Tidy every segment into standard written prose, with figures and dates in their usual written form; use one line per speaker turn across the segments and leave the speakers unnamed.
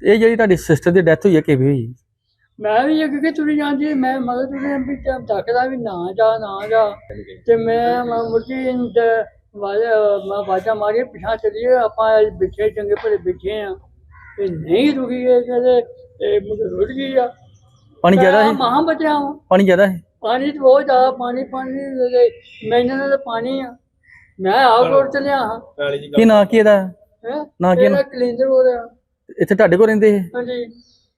ਇਹ ਜਿਹੜੀ ਤੁਹਾਡੀ ਸਿਸਟਰ ਦੀ ਡੈਥ ਹੋਈ ਹੈ ਕਿਵੇਂ ਹੋਈ?
मैं भी ये क्योंकि तुरी जाती मैं मगर तुरी भी थकदा भी ना जा ते मैं मुर्गी बाजा मारी पिछा चलिए आप बिछे चंगे भले बिछे हैं ते नहीं रुकी है कहते मुझे रुक गई आ
पानी ज्यादा है?
महा बचा हूँ
पानी ज्यादा है?
पानी तो बहुत ज्यादा पानी मैंने तो पानी आ मैं आप रोड चलिया हाँ
ਕੀ ਨਾਂ ਕੀ ਇਹਦਾ? ਨਾਂ ਕੀ?
कलिंदर हो रहा
ਇੱਥੇ ਤੁਹਾਡੇ ਕੋਲ ਰਹਿੰਦੇ ਇਹ?
हाँ जी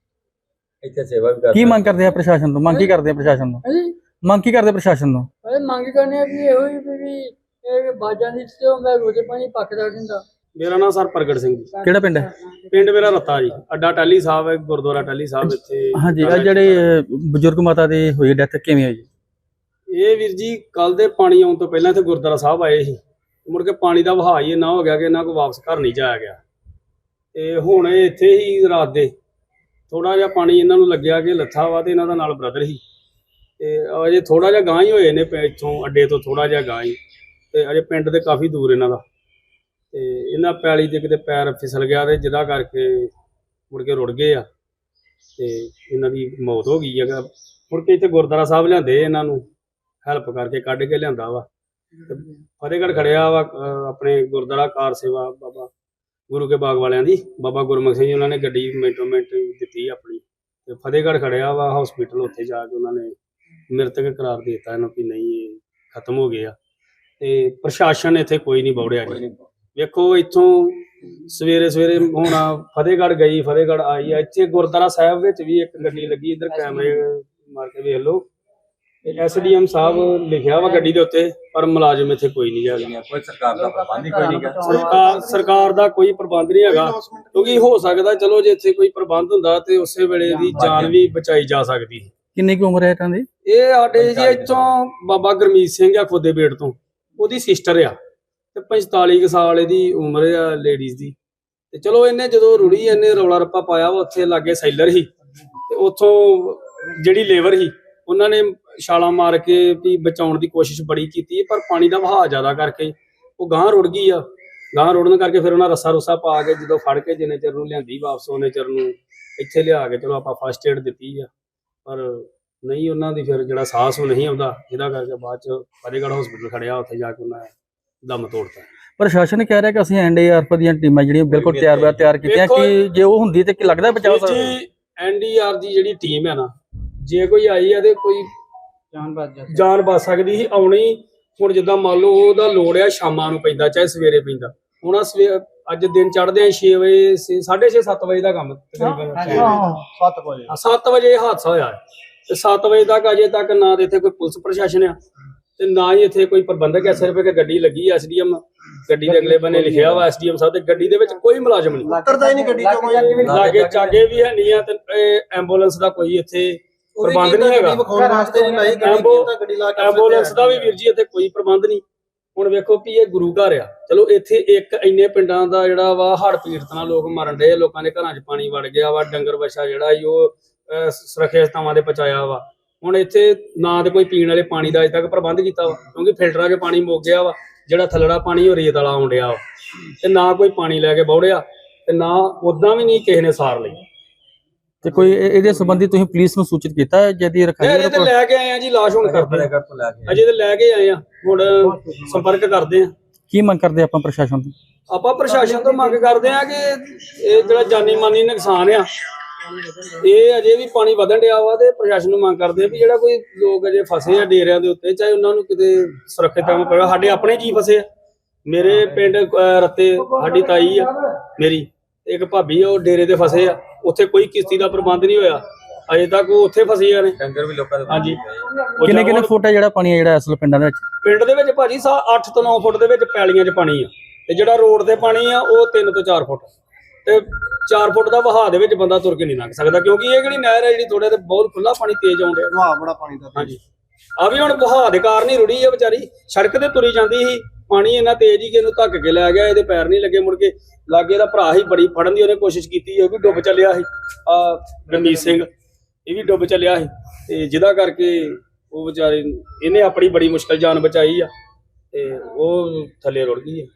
ਇੱਥੇ ਸੇਵਾ ਵੀ
ਕੀ ਮੰਗ ਕਰਦੇ ਆ ਪ੍ਰਸ਼ਾਸਨ ਤੋਂ? ਮੰਗ ਕੀ ਕਰਦੇ ਆ ਪ੍ਰਸ਼ਾਸਨ ਤੋਂ?
हाँ जी
ਮੰਗ ਕੀ ਕਰਦੇ ਪ੍ਰਸ਼ਾਸਨ ਤੋਂ?
अरे मांग करने की ये हुई भी बाजा नहीं तो मैं रोजे पानी पकड़ा दिंदा।
ਮੇਰਾ ਨਾਮ ਸਰ ਪ੍ਰਗਟ ਸਿੰਘ ਜੀ।
ਕਿਹੜਾ ਪਿੰਡ ਹੈ?
ਪਿੰਡ ਮੇਰਾ ਰੱਤਾ ਜੀ। ਅੱਡਾ ਟਾਹਲੀ ਸਾਹਿਬ ਹੈ, ਗੁਰਦੁਆਰਾ ਟਾਹਲੀ ਸਾਹਿਬ ਇੱਥੇ।
ਹਾਂਜੀ ਆ ਜਿਹੜੇ ਬਜ਼ੁਰਗ ਮਾਤਾ ਦੀ ਹੋਈ ਡੈਥ ਕਿਵੇਂ ਹੋਈ?
ਇਹ ਵੀਰ ਜੀ ਕੱਲ ਦੇ ਪਾਣੀ ਆਉਣ ਤੋਂ ਪਹਿਲਾਂ ਇੱਥੇ ਗੁਰਦੁਆਰਾ ਸਾਹਿਬ ਆਏ ਸੀ, ਮੁੜ ਕੇ ਪਾਣੀ ਦਾ ਵਹਾਅ ਹੀ ਇੰਨਾ ਹੋ ਗਿਆ ਕਿ ਇਹਨਾਂ ਕੋਲ ਵਾਪਸ ਘਰ ਨਹੀਂ ਜਾਇਆ ਗਿਆ ਤੇ ਹੁਣ ਇਹ ਇੱਥੇ ਹੀ ਰਾਤ ਦੇ ਥੋੜਾ ਜਿਹਾ ਪਾਣੀ ਇਹਨਾਂ ਨੂੰ ਲੱਗਿਆ ਕਿ ਲੱਥਾ ਵਾ ਤੇ ਇਹਨਾਂ ਦਾ ਨਾਲ ਬ੍ਰਦਰ ਸੀ ਤੇ ਅਜੇ ਥੋੜਾ ਜਿਹਾ ਗਾਂ ਹੀ ਹੋਏ ਨੇ ਇੱਥੋਂ ਅੱਡੇ ਤੋਂ ਥੋੜਾ ਜਿਹਾ ਗਾਂ ਹੀ ਤੇ ਅਜੇ ਪਿੰਡ ਦੇ ਕਾਫੀ ਦੂਰ ਇਹਨਾਂ ਦਾ ਤੇ ਇਹਨਾਂ ਪੈਲੀ ਦੇ ਕਿਤੇ ਪੈਰ ਫਿਸਲ ਗਿਆ ਤੇ ਜਿਹਦਾ ਕਰਕੇ ਮੁੜ ਕੇ ਰੁੜ ਗਏ ਆ ਤੇ ਇਹਨਾਂ ਦੀ ਮੌਤ ਹੋ ਗਈ ਹੈਗਾ। ਮੁੜ ਕੇ ਇੱਥੇ ਗੁਰਦੁਆਰਾ ਸਾਹਿਬ ਲਿਆਂਦੇ ਇਹਨਾਂ ਨੂੰ ਹੈਲਪ ਕਰਕੇ ਕੱਢ ਕੇ ਲਿਆਂਦਾ ਵਾ ਤੇ ਫਤਿਹਗੜ੍ਹ ਖੜਿਆ ਵਾ ਆਪਣੇ ਗੁਰਦੁਆਰਾ ਕਾਰ ਸੇਵਾ ਬਾਬਾ ਗੁਰੂ ਕੇ ਬਾਗ ਵਾਲਿਆਂ ਦੀ ਬਾਬਾ ਗੁਰਮੁਖ ਸਿੰਘ ਜੀ ਉਹਨਾਂ ਨੇ ਗੱਡੀ ਮਿੰਟੋ ਮਿੰਟ ਦਿੱਤੀ ਆਪਣੀ ਤੇ ਫਤਿਹਗੜ੍ਹ ਖੜਿਆ ਵਾ ਹਸਪੀਟਲ ਉੱਥੇ ਜਾ ਕੇ ਉਹਨਾਂ ਨੇ ਮ੍ਰਿਤਕ ਕਰਾਰ ਦੇ ਦਿੱਤਾ ਇਹਨਾਂ ਵੀ ਨਹੀਂ ਇਹ ਖਤਮ ਹੋ ਗਏ ਆ ਤੇ ਪ੍ਰਸ਼ਾਸਨ ਇੱਥੇ ਕੋਈ ਨਹੀਂ ਬੌੜਿਆ ਜੀ। ਵੇਖੋ ਇੱਥੋਂ ਸਵੇਰੇ ਸਵੇਰੇ ਹੁਣ ਫਤਿਹਗੜ੍ਹ ਗਈ ਫਤਿਹਗੜ੍ਹ ਆਈ ਆ ਇੱਥੇ ਗੁਰਦੁਆਰਾ ਸਾਹਿਬ ਵਿੱਚ ਵੀ ਇੱਕ ਗੱਡੀ ਲੱਗੀ ਇੱਧਰ ਕੈਮਰੇ ਮਾਰ ਕੇ ਵੇਖ ਲਓ ਐਸਡੀਐਮ ਸਾਹਿਬ ਲਿਖਿਆ ਵਾ ਗੱਡੀ ਦੇ ਉੱਤੇ ਪਰ ਮੁਲਾਜ਼ਮ ਇੱਥੇ ਕੋਈ ਨਹੀਂ ਹੈਗਾ।
ਕੋਈ ਸਰਕਾਰ ਦਾ ਪ੍ਰਬੰਧ ਹੀ ਕੋਈ ਨਹੀਂ ਗਾ।
ਸਰਕਾਰ ਦਾ ਕੋਈ ਪ੍ਰਬੰਧ ਨਹੀਂ ਹੈਗਾ ਕਿਉਂਕਿ ਹੋ ਸਕਦਾ ਚਲੋ ਜੇ ਇੱਥੇ ਕੋਈ ਪ੍ਰਬੰਧ ਹੁੰਦਾ ਤੇ ਉਸੇ ਵੇਲੇ ਦੀ ਜਾਨ ਵੀ ਬਚਾਈ ਜਾ ਸਕਦੀ।
ਕਿੰਨੀ ਕੁ ਉਮਰ ਹੈ ਇਹਨਾਂ ਦੀ?
ਇਹ ਸਾਡੇ ਜੀ ਇੱਥੋਂ ਬਾਬਾ ਗੁਰਮੀਤ ਸਿੰਘ ਆ ਖੁੱਦੇ ਬੇੜ ਤੋਂ ਉਹਦੀ ਸਿਸਟਰ ਆ ਤੇ 45 ਕੁ ਸਾਲ ਇਹਦੀ ਉਮਰ ਆ ਲੇਡੀਜ਼ ਦੀ ਤੇ ਚਲੋ ਇਹਨੇ ਜਦੋਂ ਰੁੜੀ ਇਹਨੇ ਰੌਲਾ ਰੱਪਾ ਪਾਇਆ ਵਾ ਉੱਥੇ ਲਾਗੇ ਸੈਲਰ ਸੀ ਤੇ ਉੱਥੋਂ ਜਿਹੜੀ ਲੇਬਰ ਸੀ ਉਹਨਾਂ ਨੇ ਛਾਲਾਂ ਮਾਰ ਕੇ ਵੀ ਬਚਾਉਣ ਦੀ ਕੋਸ਼ਿਸ਼ ਬੜੀ ਕੀਤੀ ਪਰ ਪਾਣੀ ਦਾ ਵਹਾਅ ਜ਼ਿਆਦਾ ਕਰਕੇ ਉਹ ਗਾਂਹ ਰੁੜ ਗਈ ਆ। ਗਾਂਹ ਰੁੜਨ ਕਰਕੇ ਫਿਰ ਉਹਨਾਂ ਰੱਸਾ ਰੁੱਸਾ ਪਾ ਕੇ ਜਦੋਂ ਫੜ ਕੇ ਜਿੰਨੇ ਚਿਰ ਨੂੰ ਲਿਆਂਦੀ ਵਾਪਸ ਉਹਨੇ ਚਿਰ ਨੂੰ ਇੱਥੇ ਲਿਆ ਕੇ ਚਲੋ ਆਪਾਂ ਫਸਟ ਏਡ ਦਿੱਤੀ ਆ ਪਰ ਨਹੀਂ ਉਹਨਾਂ ਦੀ ਫਿਰ ਜਿਹੜਾ ਸਾਹਸ ਉਹ ਨਹੀਂ ਆਉਂਦਾ ਜਿਹਦਾ ਕਰਕੇ ਬਾਅਦ ਚ ਫਤਿਹਗੜ੍ਹ ਹਸਪੀਟਲ ਖੜਿਆ ਉੱਥੇ ਜਾ ਕੇ ਉਹਨਾਂ ਨੇ ਦਮ ਤੋੜਤਾ।
ਪ੍ਰਸ਼ਾਸਨ ਕਹਿ ਰਿਹਾ ਕਿ ਅਸੀਂ ਐਨਡੀਆਰਐਫ ਦੀਆਂ ਟੀਮਾਂ ਜਿਹੜੀਆਂ ਬਿਲਕੁਲ ਤਿਆਰ ਕੀਤੀਆਂ ਕਿ ਜੇ ਉਹ ਹੁੰਦੀ ਤੇ ਕੀ ਲੱਗਦਾ ਬਚਾਅ ਸਕਦਾ?
ਐਨਡੀਆਰ ਦੀ ਜਿਹੜੀ ਟੀਮ ਹੈ ਨਾ ਜੇ ਕੋਈ ਆਈ ਆ ਤੇ ਕੋਈ ਜਾਨ ਬਚ ਸਕਦੀ ਸੀ ਆਉਣੀ। ਹੁਣ ਜਿੱਦਾਂ ਮੰਨ ਲਓ ਉਹਦਾ ਲੋੜ ਆ ਸ਼ਾਮਾਂ ਨੂੰ ਪੈਂਦਾ ਚਾਹੇ ਸਵੇਰੇ ਪੈਂਦਾ ਹੁਣ ਅੱਜ ਦਿਨ ਚੜ੍ਹਦੇ ਆ 6 ਵਜੇ 6:30 7 ਵਜੇ ਦਾ ਕੰਮ ਤਕਰੀਬਨ 7 ਵਜੇ ਹਾਦਸਾ ਹੋਇਆ ਤੇ 7 ਵਜੇ ਤੱਕ ਅਜੇ ਤੱਕ ਨਾ ਤੇ ਇੱਥੇ ਕੋਈ ਪੁਲਿਸ ਪ੍ਰਸ਼ਾਸਨ ਆ ਤੇ ਨਾ ਹੀ ਇੱਥੇ ਕੋਈ ਪ੍ਰਬੰਧਕ ਐ। ਸਿਰਫ ਇੱਕ ਗੱਡੀ ਲੱਗੀ ਐਸਡੀਐਮ ਗੱਡੀ ਦੇ ਅਗਲੇ ਬੰਨੇ ਲਿਖਿਆ ਵਾ ਐਸਡੀਐਮ ਸਾਹਿਬ ਤੇ ਗੱਡੀ ਦੇ ਵਿੱਚ ਕੋਈ ਮੁਲਾਜ਼ਮ ਨਹੀਂ ਉਤਰਦਾ ਹੀ ਨਹੀਂ ਗੱਡੀ ਚੋਂ ਕੋਈ ਲਾਗੇ ਚਾਗੇ ਵੀ ਹੈ ਨਹੀਂ ਆ ਤੇ ਐਂਬੂਲੈਂਸ ਦਾ ਕੋਈ ਇੱਥੇ ਪ੍ਰਬੰਧ ਨਹੀਂ ਹੈਗਾ। ਐਂਬੂਲੈਂਸ ਦਾ ਵੀ ਵੀਰ ਜੀ ਇੱਥੇ ਕੋਈ ਪ੍ਰਬੰਧ ਨਹੀਂ। ਹੁਣ ਵੇਖੋ ਵੀ ਇਹ ਗੁਰੂ ਘਰ ਆ ਚਲੋ ਇੱਥੇ ਇੱਕ ਇੰਨੇ ਪਿੰਡਾਂ ਦਾ ਜਿਹੜਾ ਵਾ ਹੜ੍ਹ ਪੀੜਤ ਨਾਲ ਲੋਕ ਮਰਨ ਡਏ ਲੋਕਾਂ ਦੇ ਘਰਾਂ 'ਚ ਪਾਣੀ ਵੜ ਗਿਆ ਵਾ ਡੰਗਰ ਵੱਛਾ ਜਿਹੜਾ ਸੀ ਉਹ ਸੁਰੱਖਿਅਤ ਥਾਵਾਂ ਤੇ ਪਹੁੰਚਾਇਆ ਵਾ। ਹੁਣ ਇੱਥੇ ਨਾ ਤੇ ਕੋਈ ਪੀਣ ਵਾਲੇ ਪਾਣੀ ਦਾ ਅਜੇ ਤੱਕ ਪ੍ਰਬੰਧ ਕੀਤਾ ਵਾ ਕਿਉਂਕਿ ਫਿਲਟਰਾਂ 'ਚ ਪਾਣੀ ਮੁੱਕ ਗਿਆ ਵਾ ਜਿਹੜਾ ਥੱਲੜਾ ਪਾਣੀ ਉਹ ਰੇਤ ਵਾਲਾ ਆਉਣ ਡਿਆ ਵਾ ਤੇ ਨਾ ਕੋਈ ਪਾਣੀ ਲੈ ਕੇ ਬੌੜਿਆ ਤੇ ਨਾ ਉਦਾਂ ਵੀ ਨਹੀਂ ਕਿਸੇ ਨੇ ਸਾਰ ਲਈ।
ਤੇ ਕੋਈ ਇਹਦੇ ਸੰਬੰਧੀ ਤੁਸੀਂ ਪੁਲਿਸ ਨੂੰ ਸੂਚਿਤ ਕੀਤਾ ਜਿਹਦੀ ਰਖਾਈ
ਅਜੇ ਤੇ ਲੈ ਕੇ ਆਏ ਆ ਜੀ ਲਾਸ਼ ਹੁਣ ਕਰਦੇ ਅਜੇ ਤੇ ਲੈ ਕੇ ਆਏ ਆ ਹੁਣ ਸੰਪਰਕ ਕਰਦੇ ਆ।
ਕੀ ਮੰਗ ਕਰਦੇ ਆਪਾਂ ਪ੍ਰਸ਼ਾਸਨ ਤੋਂ?
ਆਪਾਂ ਪ੍ਰਸ਼ਾਸਨ ਤੋਂ ਮੰਗ ਕਰਦੇ ਆ ਕਿ ਇਹ ਜਿਹੜਾ ਜਾਨੀ ਮਾਨੀ ਨੁਕਸਾਨ ਆ ਇਹ ਅਜੇ ਵੀ ਪਾਣੀ ਵਧਣ ਡਿਆ ਵਾ ਤੇ ਪ੍ਰਸ਼ਾਸਨ ਨੂੰ ਮੰਗ ਕਰਦੇ ਆ ਵੀ ਜਿਹੜਾ ਕੋਈ ਲੋਕ ਅਜੇ ਫਸੇ ਆ ਡੇਰਿਆਂ ਦੇ ਉੱਤੇ ਚਾਹੇ ਉਹਨਾਂ ਨੂੰ ਕਿਤੇ ਸੁਰੱਖਿਅਤ ਥਾਂ ਪਵੇ। ਸਾਡੇ ਆਪਣੇ ਜੀ ਫਸੇ ਆ ਮੇਰੇ ਪਿੰਡ ਰੱਤੇ ਸਾਡੀ ਤਾਈ ਆ ਮੇਰੀ ਇੱਕ ਭਾਬੀ ਆ ਉਹ ਡੇਰੇ ਤੇ ਫਸੇ ਆ ਉੱਥੇ ਕੋਈ ਕਿਸ਼ਤੀ ਦਾ ਪ੍ਰਬੰਧ ਨਹੀਂ ਹੋਇਆ ਅਜੇ ਤੱਕ ਉਹ ਉੱਥੇ ਫਸੇ ਨੇ ਡੰਗਰ ਵੀ ਲੋਕਾਂ ਦੇ। ਹਾਂਜੀ
ਕਿੰਨੇ ਫੁੱਟ ਆ ਜਿਹੜਾ ਪਾਣੀ ਆ ਜਿਹੜਾ ਅਸਲ ਪਿੰਡਾਂ ਦੇ ਵਿੱਚ?
ਪਿੰਡ ਦੇ ਵਿੱਚ ਭਾਜੀ 8 ਤੋਂ 9 ਫੁੱਟ ਦੇ ਵਿੱਚ ਪੈਲੀਆਂ 'ਚ ਪਾਣੀ ਆ ਤੇ ਜਿਹੜਾ ਰੋਡ ਤੇ ਪਾਣੀ ਆ ਉਹ 3 ਤੋਂ 4 ਫੁੱਟ ਤੇ 4 ਫੁੱਟ ਦਾ ਵਹਾਅ ਦੇ ਵਿੱਚ ਬੰਦਾ ਤੁਰ ਕੇ ਨਹੀਂ ਲੰਘ ਸਕਦਾ ਕਿਉਂਕਿ ਇਹ ਜਿਹੜੀ ਨਹਿਰ ਹੈ ਜਿਹੜੀ ਥੋੜੇ ਤੇ ਬਹੁਤ ਖੁੱਲਾ ਪਾਣੀ ਤੇਜ਼ ਆਉਂਦਾ ਵਹਾਅ ਬੜਾ ਪਾਣੀ ਦਾ। ਹਾਂਜੀ ਆ ਵੀ ਹੁਣ ਵਹਾਅ ਦੇ ਕਾਰਨ ਹੀ ਰੁੜੀ ਆ ਵਿਚਾਰੀ ਸੜਕ ਤੇ ਤੁਰੀ ਜਾਂਦੀ ਸੀ ਪਾਣੀ ਇੰਨਾ ਤੇਜ਼ ਹੀ ਕਿ ਇਹਨੂੰ ਧੱਕ ਕੇ ਲੈ ਗਿਆ ਇਹਦੇ ਪੈਰ ਨਹੀਂ ਲੱਗੇ ਮੁੜ ਕੇ ਲਾਗੇ ਦਾ ਭਰਾ ਹੀ ਬੜੀ ਫੜਨ ਦੀ ਉਹਨੇ ਕੋਸ਼ਿਸ਼ ਕੀਤੀ ਉਹ ਵੀ ਡੁੱਬ ਚੱਲਿਆ ਸੀ ਗੁਰਮੀਤ ਸਿੰਘ ਇਹ ਵੀ ਡੁੱਬ ਚੱਲਿਆ ਸੀ ਤੇ ਜਿਹਦਾ ਕਰਕੇ ਉਹ ਵਿਚਾਰੇ ਇਹਨੇ ਆਪਣੀ ਬੜੀ ਮੁਸ਼ਕਲ ਜਾਨ ਬਚਾਈ ਆ ਤੇ ਉਹ ਥੱਲੇ ਰੁੜ ਗਈ ਆ।